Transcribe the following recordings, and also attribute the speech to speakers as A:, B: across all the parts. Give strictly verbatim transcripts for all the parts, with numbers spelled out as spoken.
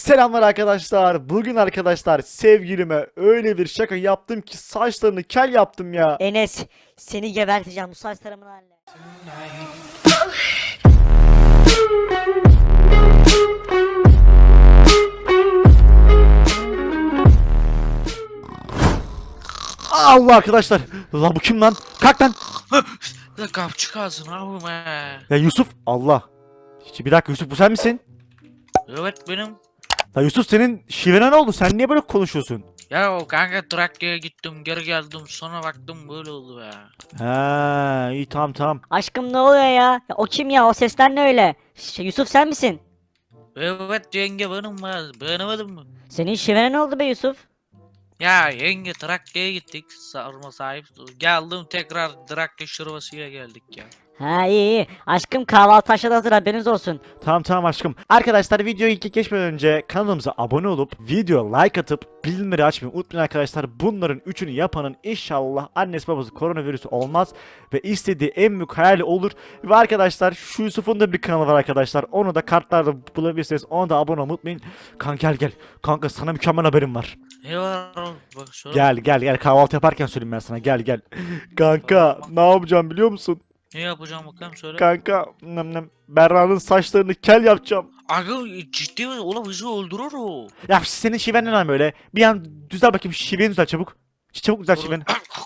A: Selamlar arkadaşlar. Bugün arkadaşlar sevgilime öyle bir şaka yaptım ki saçlarını kel yaptım ya.
B: Enes, seni geberteceğim bu saçlarımın haline.
A: Allah arkadaşlar. Lan bu kim lan? Kalk lan.
C: La kapçık ağzını abi be.
A: Ya Yusuf. Allah. Hiç- Bir dakika Yusuf, bu sen misin?
C: Evet benim.
A: Ya Yusuf, senin şivene ne oldu? Sen niye böyle konuşuyorsun?
C: Ya o kanka Trakya'ya gittim geri geldim sonra baktım böyle oldu be.
A: Ha, iyi, tamam tamam.
B: Aşkım ne oluyor ya? Ya o kim ya? O sesler ne öyle? Ş- Yusuf sen misin?
C: Evet yenge benim be. Beğenemedin mi?
B: Senin şivene ne oldu be Yusuf?
C: Ya yenge Trakya'ya gittik sarma sahip. Geldim tekrar Trakya şırvasıyla geldik ya.
B: Ha iyi iyi. Aşkım kahvaltı aşağıda hazır, haberiniz olsun.
A: Tamam tamam aşkım. Arkadaşlar videoyu ilk geçmeden önce kanalımıza abone olup video like atıp bildirimleri açmayı unutmayın arkadaşlar. Bunların üçünü yapanın inşallah annesi babası koronavirüsü olmaz ve istediği en büyük hayali olur. Ve arkadaşlar şu Yusuf'un da bir kanalı var arkadaşlar. Onu da kartlarda bulabilirsiniz. Ona da abone olmayı unutmayın. Kanka gel gel. Kanka sana mükemmel haberim var.
C: Ne var oğlum? Bak söyle.
A: Gel gel gel, kahvaltı yaparken söyleyeyim ben sana. Gel gel. Kanka ne yapacağım biliyor musun?
C: Ne yapacağım bakalım söyle.
A: Kanka nem nem Berra'nın saçlarını kel yapacağım.
C: Aga ciddi mi? Oğlum bizi öldürür o.
A: Ya senin şiven ne lan böyle? Bir an düzel bakayım, şiveni düzel çabuk. Ç- Çabuk düzel şiveni.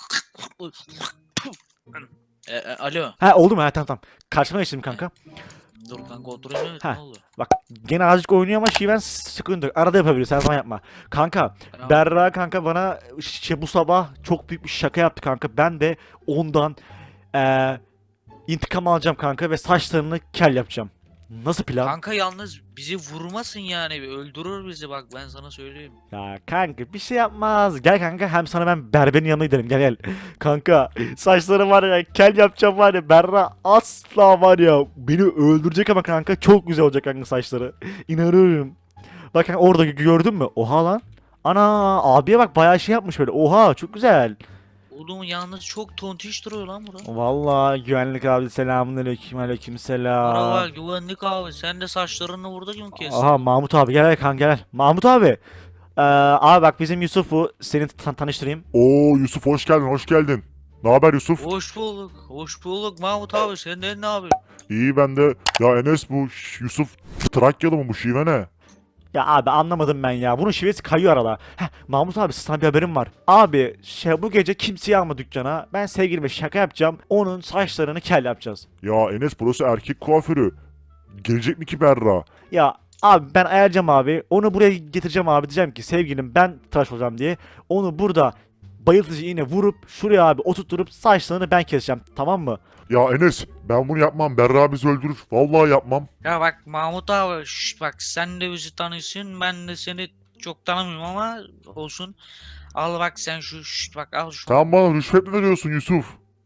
C: e, e, alo.
A: Ha, oldu mu? Ha, tamam tamam. Karşıma geçtim kanka.
C: Dur kanka oturayım evet
A: Ha.
C: ne oldu?
A: Bak gene azıcık oynuyor ama şiven sıkıntı yok. Arada yapabiliriz, her zaman yapma. Kanka
C: Tamam.
A: Berra kanka bana şey, bu sabah çok büyük bir şaka yaptı kanka. Ben de ondan eee intikam alacağım kanka ve saçlarını kel yapacağım. Nasıl plan?
C: Kanka yalnız bizi vurmasın yani öldürür bizi bak ben sana söyleyeyim.
A: Ya kanka bir şey yapmaz. Gel kanka, hem sana ben berberin yanına gidelim. Gel gel. Kanka saçları var ya, kel yapacağım var ya. Berra asla var ya beni öldürecek ama kanka çok güzel olacak kanka saçları. İnanıyorum. Bak kanka orada gö- gördün mü? Oha lan. Ana abiye bak, bayağı şey yapmış böyle. Oha çok güzel.
C: Oğlum yalnız çok tontiş duruyor lan bura.
A: Vallahi güvenlik abi, selamünaleyküm, aleyküm selam.
C: Merhaba güvenlik abi sen de saçlarını burada kim kestin?
A: Aha Mahmut abi, gel gel kanka gel. Mahmut abi. Ee, abi bak bizim Yusuf bu. Seni tan- tanıştırayım.
D: Oo Yusuf, hoş geldin, hoş geldin. Ne haber Yusuf?
C: Hoş bulduk, hoş bulduk Mahmut abi senden ne abi?
D: İyi ben de. Ya Enes, bu Ş- Yusuf Trakyalı mı, bu şive ne?
A: Ya abi anlamadım ben ya. Bunun şivesi kayıyor arada. Heh, Mahmut abi sana bir haberim var. Abi şey, bu gece kimseyi alma dükkana. Ben sevgilime şaka yapacağım. Onun saçlarını kel yapacağız.
D: Ya Enes, burası erkek kuaförü. Gelecek mi ki Berra?
A: Ya abi ben ayarlayacağım abi. Onu buraya getireceğim abi. Diyeceğim ki sevgilim ben tıraş olacağım diye. Onu burada bayıltıcı iğne vurup şuraya abi oturtturup saçlarını ben keseceğim. Tamam mı?
D: Ya Enes, ben bunu yapmam. Berra bizi öldürür. Vallahi yapmam.
C: Ya bak Mahmut abi şşt, bak sen de bizi tanıyorsun ben de seni çok tanımıyorum ama olsun. Al bak sen şu şşt, bak al şu.
D: Sen bana rüşvet mi veriyorsun Yusuf?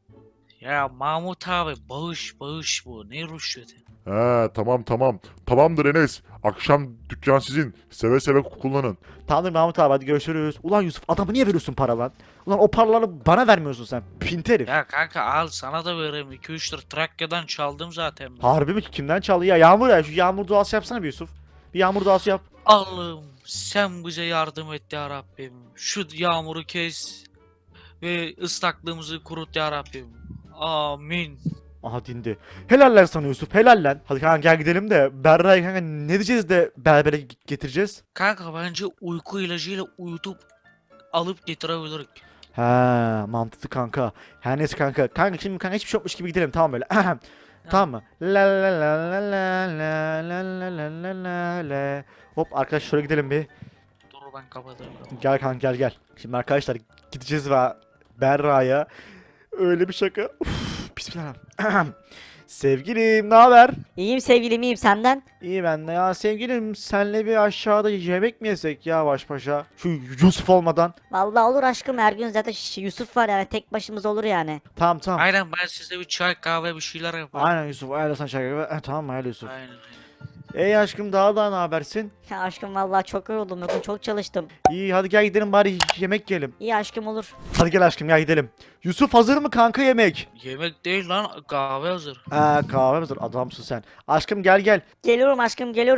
C: Ya Mahmut abi bağış bağış bu ne rüşveti?
D: He, tamam tamam. Tamamdır Enes. Akşam dükkan sizin. Seve seve kullanın.
A: Tamamdır Mahmut abi, hadi görüşürüz. Ulan Yusuf, adamı niye veriyorsun para lan? Ulan o paraları bana vermiyorsun sen. Pint herif.
C: Ya kanka al sana da vereyim iki üç lira Trakya'dan çaldım zaten ben.
A: Harbi mi ki, kimden çaldı ya? Yağmur ya, şu yağmur duası yapsana bir Yusuf. Bir yağmur duası yap.
C: Allah'ım sen bize yardım et ya Rabbim. Şu yağmuru kes ve ıslaklığımızı kurut ya Rabbim. Amin.
A: Aha dindi. Helal lan sana Yusuf, helal lan. Hadi kanka gel gidelim de Berra'yı kanka ne diyeceğiz de berbere g- getireceğiz?
C: Kanka bence uyku ilacıyla uyutup alıp getirebilirik.
A: He, mantıklı kanka. Her neyse kanka. Kanka şimdi kanka hiçbir şey yokmuş gibi gidelim, tamam böyle. Tamam mı? La la la la la la la la la la la la. Hop arkadaş şöyle gidelim bir.
C: Dur ben kapatayım.
A: Gel kanka gel gel. Şimdi arkadaşlar gideceğiz ve Berra'ya öyle bir şaka. Uf, bismillah. Sevgilim ne haber?
B: İyiyim sevgilim, iyiyim, senden?
A: İyi ben de ya sevgilim, senle bir aşağıda yemek mi yesek ya baş başa? Şu Yusuf olmadan.
B: Vallahi olur aşkım, her gün zaten Ş- Yusuf var yani, tek başımız olur yani.
A: Tamam tamam.
C: Aynen ben size bir çay kahve bir şeyler yaparım.
A: Aynen Yusuf, aynen sen şaka gibi. Eh, tamam mı öyle Yusuf?
C: Aynen.
A: Ey aşkım, daha da ne habersin?
B: Ya aşkım vallahi çok yoruldum, bugün çok çalıştım.
A: İyi hadi gel gidelim bari yemek yiyelim.
B: İyi aşkım, olur.
A: Hadi gel aşkım gel gidelim. Yusuf hazır mı kanka yemek?
C: Yemek değil lan kahve hazır.
A: Aa kahve hazır, adamsın sen. Aşkım gel gel.
B: Geliyorum aşkım, geliyorum.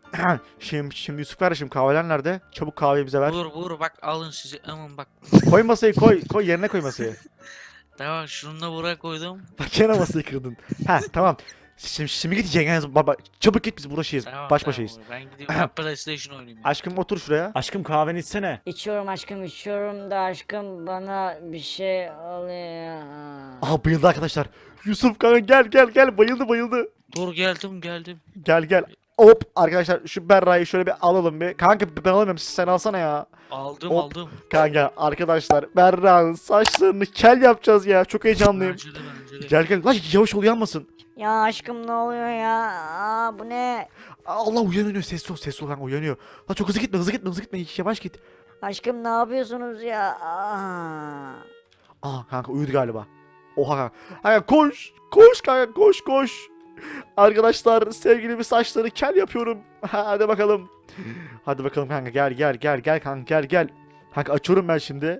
A: Şimdi, şimdi Yusuf kardeşim kahveler nerede? Çabuk kahveyi bize ver.
C: Vur vur bak alın sizi aman bak.
A: Koy masayı koy. Koy yerine koy masayı.
C: Tamam şunu da buraya koydum.
A: Bak gene masayı kırdın. Ha tamam. Şimdi, şimdi git yengeniz baba. Çabuk git biz buradayız.
C: Tamam,
A: Baş
C: tamam,
A: başayız.
C: Ben gidiyorum ben PlayStation oynayayım. ya.
A: Aşkım otur şuraya. Aşkım kahveni içsene.
B: İçiyorum aşkım içiyorum da aşkım bana bir şey oluyor.
A: Aha bayıldı arkadaşlar. Yusuf kanka gel gel gel bayıldı bayıldı.
C: Dur geldim geldim.
A: Gel gel. Hop arkadaşlar şu Berra'yı şöyle bir alalım bir. Kanka ben alamıyorum sen alsana ya.
C: Aldım
A: Hop.
C: aldım.
A: Kanka arkadaşlar Berra'nın saçlarını kel yapacağız ya. Çok heyecanlıyım.
C: Bence de bence de.
A: Gel gel. Lan yavaş ol yanmasın.
B: Ya aşkım ne oluyor ya? Aa, bu ne?
A: Allah uyanıyor. Sessiz ol sessiz ol kanka uyanıyor. Lan çok hızlı gitme hızlı gitme hızlı gitme. Yavaş git.
B: Aşkım ne yapıyorsunuz ya? Aa.
A: Aa kanka uyudu galiba. Oha kanka. Kanka koş. Koş kanka koş koş. Arkadaşlar sevgilimi saçları kel yapıyorum. Hadi bakalım. Hadi bakalım kanka gel gel gel gel kanka gel gel. Kanka açıyorum ben şimdi.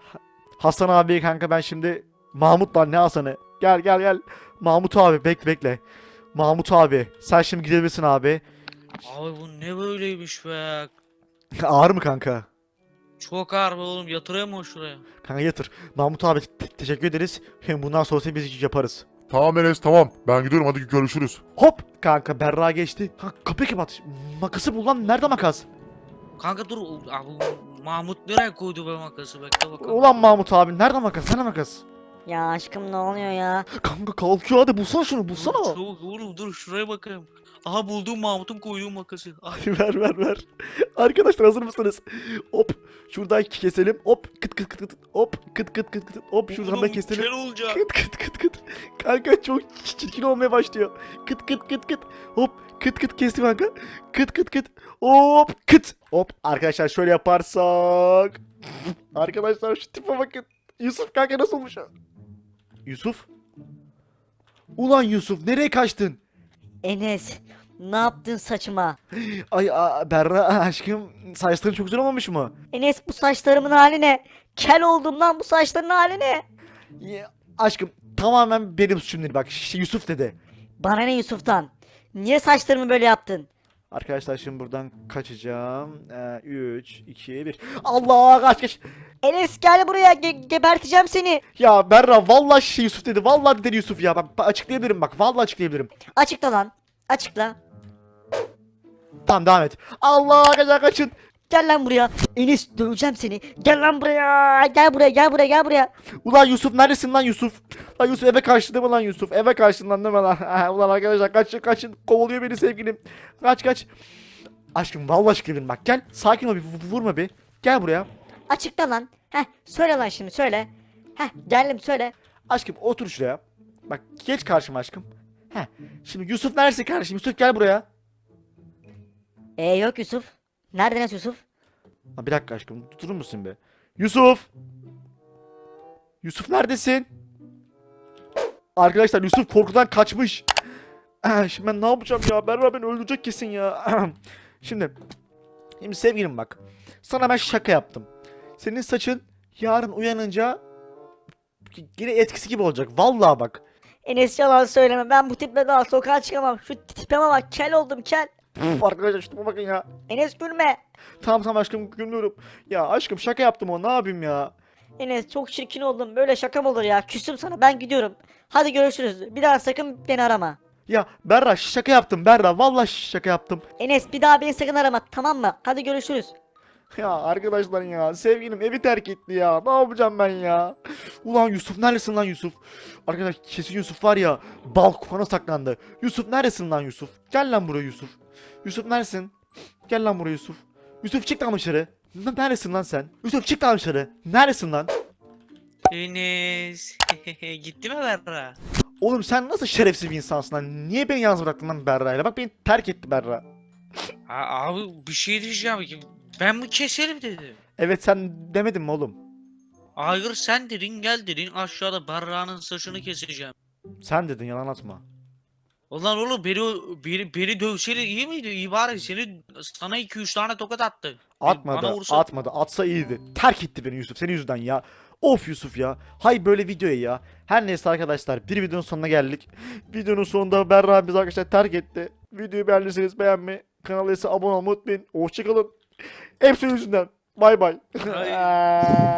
A: Hasan abi kanka ben şimdi Mahmut lan ne Hasan'ı? Gel gel gel. Mahmut abi bekle bekle. Mahmut abi sen şimdi gidebilirsin abi.
C: Abi bu ne böyleymiş be.
A: Ağır mı kanka?
C: Çok ağır be oğlum yatırayım mı şuraya?
A: Kanka yatır. Mahmut abi te- teşekkür ederiz. Hem bundan sonrası biz yaparız.
D: Tamam Enes tamam. Ben gidiyorum hadi görüşürüz.
A: Hop kanka Berra geçti. Kanka kapıyı kapat. Makası bul lan. Nerede makas?
C: Kanka dur abi Mahmut nereye koydu be makası bekle bakalım.
A: Ulan Mahmut abi nerede makas? Nerede makas?
B: Ya aşkım ne oluyor ya?
A: Kanka kalkıyor hadi bulsana şunu
C: Dur,
A: bulsana.
C: çabuk oğlum dur şuraya bakayım. Aha buldum Mahmut'un koyduğu makası. Ay,
A: Hadi ver ver ver. Arkadaşlar hazır mısınız? Hop şuradan keselim. Hop kıt kıt kıt kıt. Hop kıt kıt kıt kıt. Hop şuradan da
C: oğlum,
A: keselim.
C: kel olacak.
A: Kıt kıt kıt kıt. Kanka çok çirkin olmaya başlıyor. Kıt kıt kıt kıt. Hop kıt kıt kestim kanka. Kıt kıt kıt. Hop kıt. Hop arkadaşlar şöyle yaparsak. Arkadaşlar şu tipe bakın. Yusuf kanka nasıl olmuş? Yusuf? Ulan Yusuf nereye kaçtın?
B: Enes ne yaptın saçıma?
A: Ay a, Berra aşkım saçların çok güzel olmamış mı?
B: Enes bu saçlarımın hali ne? Kel oldum lan bu saçların hali ne?
A: Ya, aşkım tamamen benim suçum değil bak şey, Yusuf dedi.
B: Bana ne Yusuf'tan? Niye saçlarımı böyle yaptın?
A: Arkadaşlar şimdi buradan kaçacağım. üç, iki, bir. Allah kaç kaç.
B: Enes gel buraya ge- geberteceğim seni.
A: Ya Berra vallahi şey Yusuf dedi. Vallahi dedi Yusuf ya. Bak bak, açıklayabilirim bak. Vallahi açıklayabilirim.
B: Açıkla lan. Açıkla.
A: Tamam devam et. Allah kaçın kaçın.
B: Gel lan buraya. Enes döveceğim seni. Gel lan buraya. Gel buraya gel buraya gel buraya.
A: Ulan Yusuf neredesin lan Yusuf? Lan Yusuf eve kaçtı değil mi lan Yusuf? Eve kaçtın lan değil mi lan? Ulan arkadaşlar kaçın kaçın. Kovalıyor beni sevgilim. Kaç kaç. Aşkım vallahi açıklayabilirim bak. Gel sakin ol bir vu- vurma bir. Gel buraya.
B: Açıkla lan. Heh söyle lan şimdi söyle. Heh geldim söyle.
A: Aşkım otur şuraya. Bak geç karşıma aşkım. Heh. Şimdi Yusuf neredesin kardeşim? Yusuf gel buraya.
B: Ee yok Yusuf. Nerede Enes Yusuf?
A: Ha, bir dakika aşkım durur musun be? Yusuf! Yusuf neredesin? Arkadaşlar Yusuf korkudan kaçmış. Ah, Şimdi ben ne yapacağım ya? Berra beni öldürecek kesin ya. Şimdi, şimdi sevgilim bak. Sana ben şaka yaptım. Senin saçın yarın uyanınca yine etkisi gibi olacak. Vallahi bak.
B: Enes yalan söyleme. Ben bu tiple daha sokağa çıkamam. Şu tipime bak. Kel oldum kel.
A: Puf, arkadaşlar şuna bakın ya.
B: Enes gülme.
A: Tamam tamam aşkım gülmüyorum. Ya aşkım şaka yaptım o ne yapayım ya.
B: Enes çok çirkin oldum. Böyle şaka mı olur ya? Küstüm sana. Ben gidiyorum. Hadi görüşürüz. Bir daha sakın beni arama.
A: Ya Berra şaka yaptım Berra. Vallahi şaka yaptım.
B: Enes bir daha beni sakın arama. Tamam mı? Hadi görüşürüz.
A: Ya arkadaşlar ya sevgilim evi terk etti ya. Ne yapacağım ben ya? Ulan Yusuf neredesin lan Yusuf? Arkadaş kesin Yusuf var ya balkona saklandı. Yusuf neredesin lan Yusuf? Gel lan buraya Yusuf. Yusuf neredesin? Gel lan buraya Yusuf. Yusuf çık lan dışarı. N- Neredesin lan sen? Yusuf çık lan dışarı. Neredesin lan?
C: Enes. Gitti mi Berra?
A: Oğlum sen nasıl şerefsiz bir insansın lan? Niye beni yalnız bıraktın lan Berra'yla? Bak beni terk etti Berra.
C: Ha, abi bir şey diyeceğim ki ben mi keserim dedim.
A: Evet sen demedin mi oğlum?
C: Hayır sen dedin gel dedin aşağıda Berra'nın saçını keseceğim.
A: Sen dedin yalan atma.
C: Ulan oğlum beni, beni, beni dövseydi iyi miydi? İyi bari seni sana iki üç tane tokat attı.
A: Atmadı,
C: Bana vursa-
A: atmadı. Atsa iyiydi. Terk etti beni Yusuf. Senin yüzünden ya. Of Yusuf ya. Hay böyle videoya ya. Her neyse arkadaşlar. Bir videonun sonuna geldik. Videonun sonunda Berra bizi arkadaşlar terk etti. Videoyu beğendiyseniz beğenmeyi, Kanala ise abone olmayı unutmayın. Hoşçakalın. Hepsi yüzünden. Bay bay.
C: Hayır.